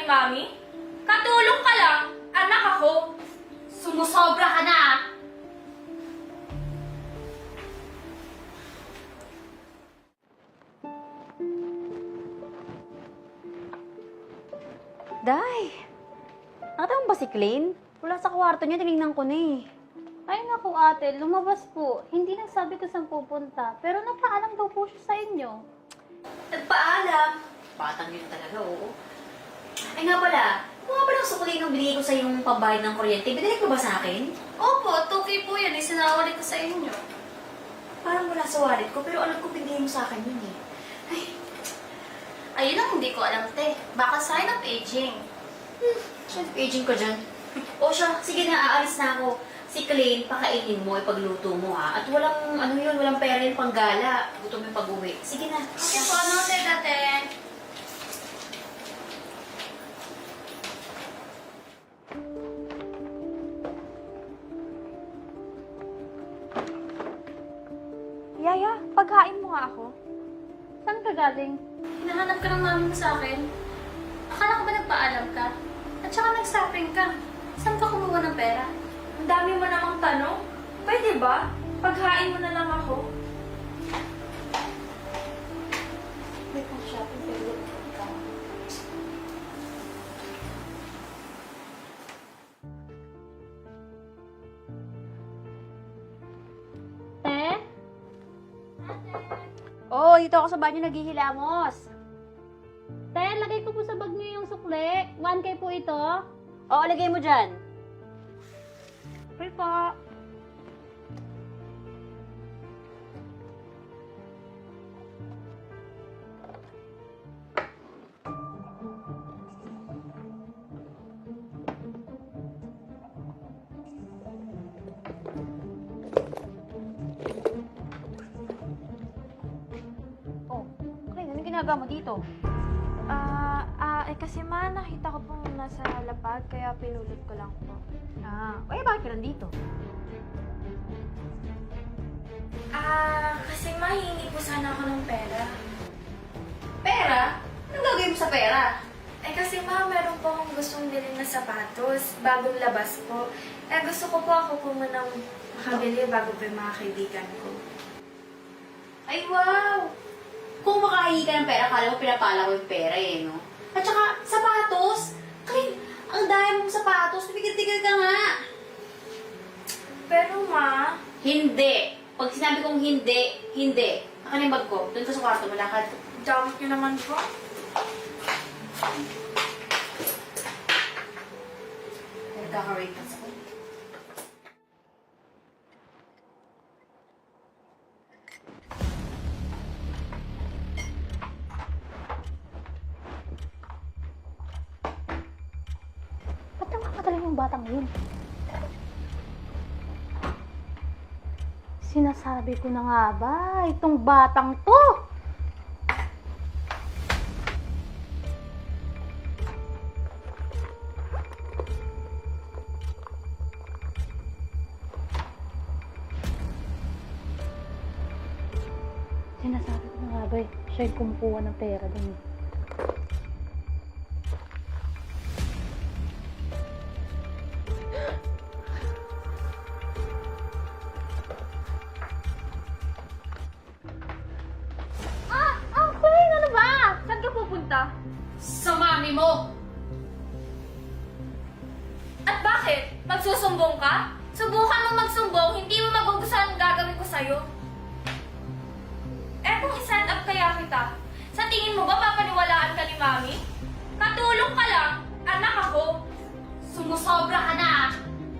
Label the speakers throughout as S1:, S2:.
S1: Mami? Katulong ka lang, anak ako.
S2: Sumusobra ka na ah!
S3: Day! Nakita mo ba si Clayne? Wala sa kwarto niya, tinignan ko na eh.
S4: Ay naku ate, lumabas po. Hindi nagsabi ko saan pupunta. Pero napaalam daw po siya sa inyo.
S2: Nagpaalam. Batang yun talaga, oo. Ay nga pala, kung nga palang sukli nung binigay ko sa yung pambayad ng kuryente, binalik mo ba sa akin?
S1: Opo, 2K po yan. Isinawali ko sa inyo.
S2: Parang wala sa wallet ko, pero alam ko binigay mo sa akin yun eh. Ay,
S1: Ayun ang hindi ko alam, te. Baka sign of aging.
S2: aging ka dyan. O siya, sige na, aalis na ako. Si Clayne, pakainin mo, ipagluto mo ha. At walang, ano yun, walang pera yung panggala. Gutom yung pag-uwi. Sige na.
S1: Okay po, noted, ate.
S3: Yaya, paghain mo nga ako.
S4: Saan ka galing?
S1: Hinahanap ka ng mami mo sa akin. Akala ko ba nagpaalam ka? At saka nag-shopping ka. Saan ka kumuha ng pera? Ang dami mo namang tanong. Pwede ba? Paghain mo na lang ako.
S4: May pang shopping pero ka. Te?
S3: Oo, dito ako sa banyo naghihilamos.
S4: Te, lagay ko po sa bag niyo yung sukle. 1K po ito.
S3: Oo, lagay mo dyan.
S4: Okay po.
S3: Oh, Clayne, anong ginagawa mo dito?
S5: Kasi nakita ko pong nasa lapag, kaya pinulot ko lang po.
S3: Bakit ka nandito?
S5: Kasi mahingi po sana ako ng pera.
S2: Pera? Anong gagawin mo sa pera?
S5: Kasi meron po akong gustong bilhin na sapatos, bagong labas po. Gusto ko po ako po munang makabili bago po yung mga kaibigan ko.
S2: Ay, wow! Kung makahingi ka ng pera, kala mo pinapala ko yung pera eh, no? At saka, sapatos! Clayne, ang dami mong sapatos. Tigil-tigil ka nga!
S5: Pero ma,
S2: Hindi! Pag sinabi kong hindi, hindi. Akin yung bag ko. Doon ka sa kwarto, malakad.
S5: damot niyo naman po.
S2: Nagkaka-rate ka sa
S4: Ba't ang kakataling yung batang yun? Sinasabi ko na nga ba, itong batang to! Sinasabi ko na nga ba, siya yung kumukuha ng pera dun. Clayne, ano ba? Saan ka pupunta?
S2: Sa mami mo!
S1: At bakit? Magsusumbong ka? Subukan mo magsumbong, hindi mo magugustuhan ang gagawin ko sa'yo. Kung i-stand up kaya kita, sa tingin mo ba papaniwalaan ka ni Mami? Katulong ka lang, anak ako.
S2: Sumusobra ka na ah!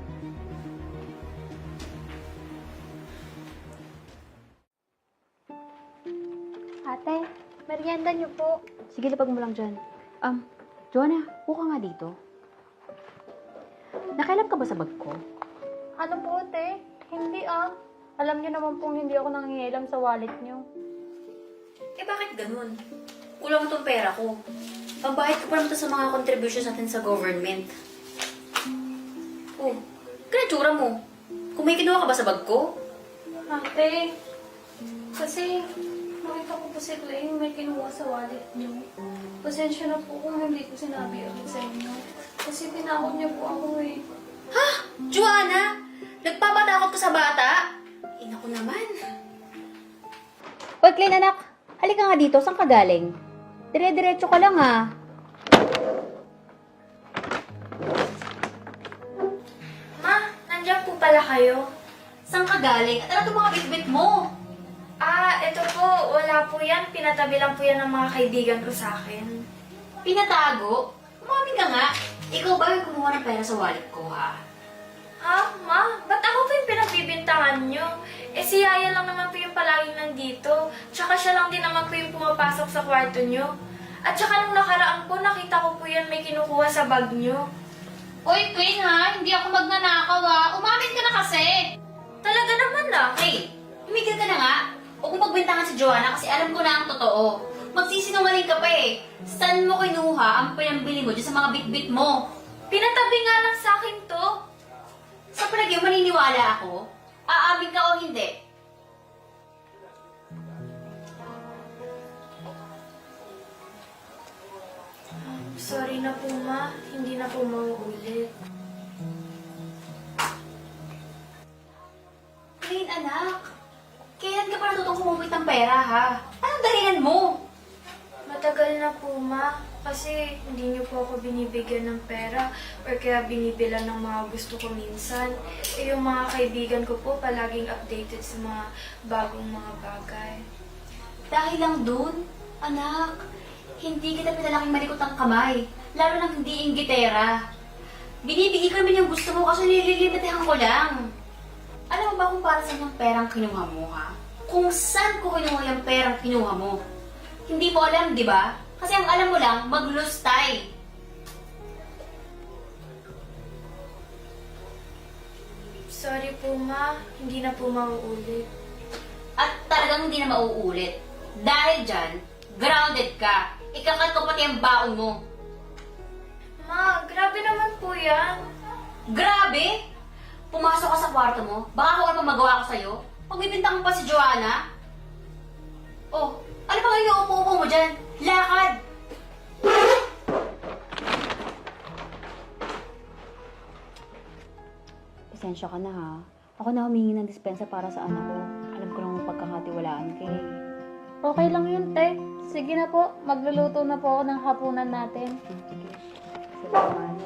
S4: Ate, merienda niyo po.
S3: Sige, lapag mo lang dyan. Joanna, buka nga dito. Nakailan ka ba sa bag ko?
S4: Ano po, te? Hindi ah. Alam niyo naman pong hindi ako nangingialam sa wallet niyo.
S2: Bakit ganun? Kulang itong pera ko. Pambayad ko pa naman to sa mga contributions natin sa government. Oh, kaya tsura mo. Kung may kinuha ka ba sa bag ko?
S1: Ate, kasi nakita ko po si Clay may kinuha sa wallet niyo. Pasensya na po kung hindi ko sinabi agad sa inyo. Kasi tinakot niyo po ako eh.
S2: Ha? Joanna? Nagpapatakot ka sa bata? Naku naman.
S3: Oy, Clean anak, halika nga dito. Saan ka galing? Dire-diretso ka lang ha.
S5: Ma, nandiyan po pala kayo.
S2: Saan ka galing? At ano itong mga bitbit mo?
S5: Ah, ito po, wala po yan. Pinatabi lang po yan ng mga kaibigan ko sa akin.
S2: Pinatago? Umamin ka nga. Ikaw ba yung kumuha ng pera sa wallet ko, ha?
S5: Ha? Ma? Ba't ako po yung pinagbibintangan nyo? Eh si Yaya lang naman po yung palaging nandito. Tsaka siya lang din naman po yung pumapasok sa kwarto nyo. At tsaka nung nakaraan po, nakita ko po yan may kinukuha sa bag nyo.
S2: Uy, Queen, ha? Hindi ako magnanakaw, ha? Umamin ka na kasi.
S5: Talaga naman na.
S2: Hey, tumigil ka na nga. Huwag mong pagbintangan si Joanna kasi alam ko na ang totoo. Magsisinungaling ka pa eh. Saan mo kinuha ang pinambili mo dyan sa mga bitbit mo?
S5: Pinatabi nga lang sa akin to.
S2: Sa palagay mo maniniwala ako? Aamin ka o hindi?
S5: Sorry na po, Ma. Hindi na po mauulit.
S2: Queen, anak. Kailan ka pa natutong kumupit ng pera, ha? Anong dahilan mo?
S5: Matagal na po, Ma. Kasi hindi niyo po ako binibigyan ng pera or kaya binibilan ng mga gusto ko minsan. Eh, yung mga kaibigan ko po palaging updated sa mga bagong mga bagay.
S2: Dahil lang dun, anak, hindi kita pinalaking malikot ang kamay. Lalo nang hindi inggitera. Binibigay ka naman yung gusto mo kasi nililimitahan ko lang. Alam mo ba kung para saan yung perang kinuha mo, ha? Kung saan ko kinuha yung perang kinuha mo? Hindi mo alam, di ba? Kasi ang alam mo lang, maglustay.
S5: Sorry po, Ma. Hindi na po mauulit.
S2: At talagang hindi na mauulit. Dahil dyan, grounded ka. Ikakat ko pati ang baon mo.
S5: Ma, grabe naman po yan.
S2: Grabe! Pumasok ka sa kwarto mo, baka kung ano pa magawa ko sa'yo, pagbibintang mo pa si Joanna. Oh, ano pa nga yung upo-upo mo dyan? Lakad!
S3: Pasensya ka na ha. Ako na humingi ng dispensa para sa anak ko. Alam ko lang pagkakatiwalaan ka eh.
S4: Okay lang yun, te. Sige na po, magluluto na po ako ng hapunan natin.
S3: Sige. Salamat.